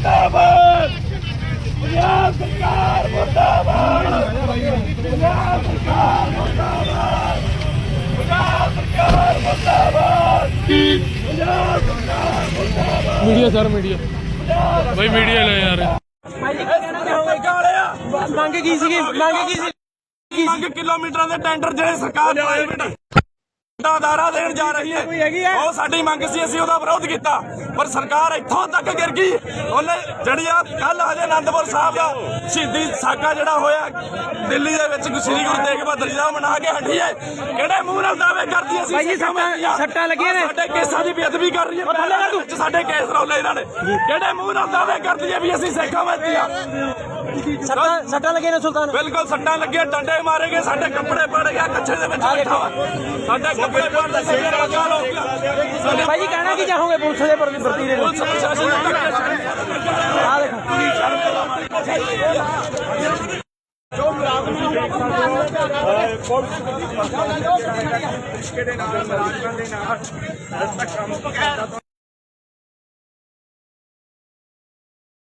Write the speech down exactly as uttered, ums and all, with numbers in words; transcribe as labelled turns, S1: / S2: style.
S1: ਮੁਰਦਾਬਾਦ ਪੰਜਾਬ ਸਰਕਾਰ ਮੁਰਦਾਬਾਦ ਪੰਜਾਬ ਸਰਕਾਰ ਮੁਰਦਾਬਾਦ ਪੰਜਾਬ ਸਰਕਾਰ ਮੁਰਦਾਬਾਦ ਪੰਜਾਬ ਸਰਕਾਰ ਮੁਰਦਾਬਾਦ
S2: मीडिया सर मीडिया भाई मीडिया ले यार
S1: ਮੰਗ ਕੀ ਸੀਗੀ ਮੰਗ ਕੀ ਸੀ ਮੰਗ ਕਿਲੋਮੀਟਰਾਂ ਦੇ ਟੈਂਡਰ ਜਿਹੜੇ ਸਰਕਾਰ ਪ੍ਰਾਈਵੇਟ ਦਾਰਾ ਦੇਣ ਜਾ ਰਹੀ ਹੈ ਉਹ ਸਾਡੀ ਮੰਗ ਸੀ ਅਸੀਂ ਉਹਦਾ ਵਿਰੋਧ ਕੀਤਾ ਪਰ ਸਰਕਾਰ ਇੱਥੋਂ ਤੱਕ ਗਿਰ ਗਈ ਉਹਨੇ ਜਿਹੜੀ ਆ ਕੱਲ ਹਜੇ ਅਨੰਦਪੁਰ ਸਾਹਿਬ ਦਾ ਸ਼ਹੀਦੀ ਸਾਕਾ ਜਿਹੜਾ ਹੋਇਆ ਦਿੱਲੀ ਦੇ ਵਿੱਚ ਸ੍ਰੀ ਗੁਰੂ ਤੇਗ ਬਹਾਦਰ ਜੀ ਦਾ ਮਨਾ ਕੇ ਹਟੀ ਹੈ ਕਿਹੜੇ ਮੂੰਹ ਨਾਲ ਦਾਅਵੇ ਕਰਦੀ ਅਸੀਂ ਭਾਈ ਸੱਟਾਂ ਸੱਟਾਂ ਲੱਗੀਆਂ ਨੇ ਸਾਡੇ ਕੇਸਾਂ ਦੀ ਬੇਅਦਬੀ ਕਰ ਰਹੀ ਹੈ ਸਾਡੇ ਕੇਸ ਰੌਲੇ ਇਹਨਾਂ ਨੇ ਕਿਹੜੇ ਮੂੰਹ ਨਾਲ ਦਾਅਵੇ ਕਰਦੀ ਹੈ ਵੀ ਅਸੀਂ ਸਿੱਖਾਂ ਵਿੱਚ ਆ ਸੱਟਾਂ ਸੱਟਾਂ ਲੱਗੀਆਂ ਨੇ ਸੁਲਤਾਨ ਬਿਲਕੁਲ ਸੱਟਾਂ ਲੱਗੀਆਂ ਡੰਡੇ ਮਾਰੇ ਗਏ ਸਾਡੇ ਕੱਪੜੇ ਪੜ ਗਿਆ ਕੱਛੇ ਦੇ ਵਿੱਚ ਬੈਠਾ ਸਾਡੇ ਕੱਪੜੇ ਪੜਦੇ ਸਿਰ ਲਗਾ ਲੋ ਭਾਈ ਜੀ ਕਹਿਣਾ ਕੀ ਚਾਹੋਗੇ ਪੁਲਿਸ ਦੇ ਪ੍ਰਤੀ ਦੇ ਪੁਲਿਸ ਪ੍ਰਸ਼ਾਸਨ ਨੂੰ ਆ ਦੇਖੋ ਜੋ ਪੁਲਿਸ ਕਿਹੜੇ ਨਾਲ ਰਾਜਨਾਂ ਦੇ ਨਾਲ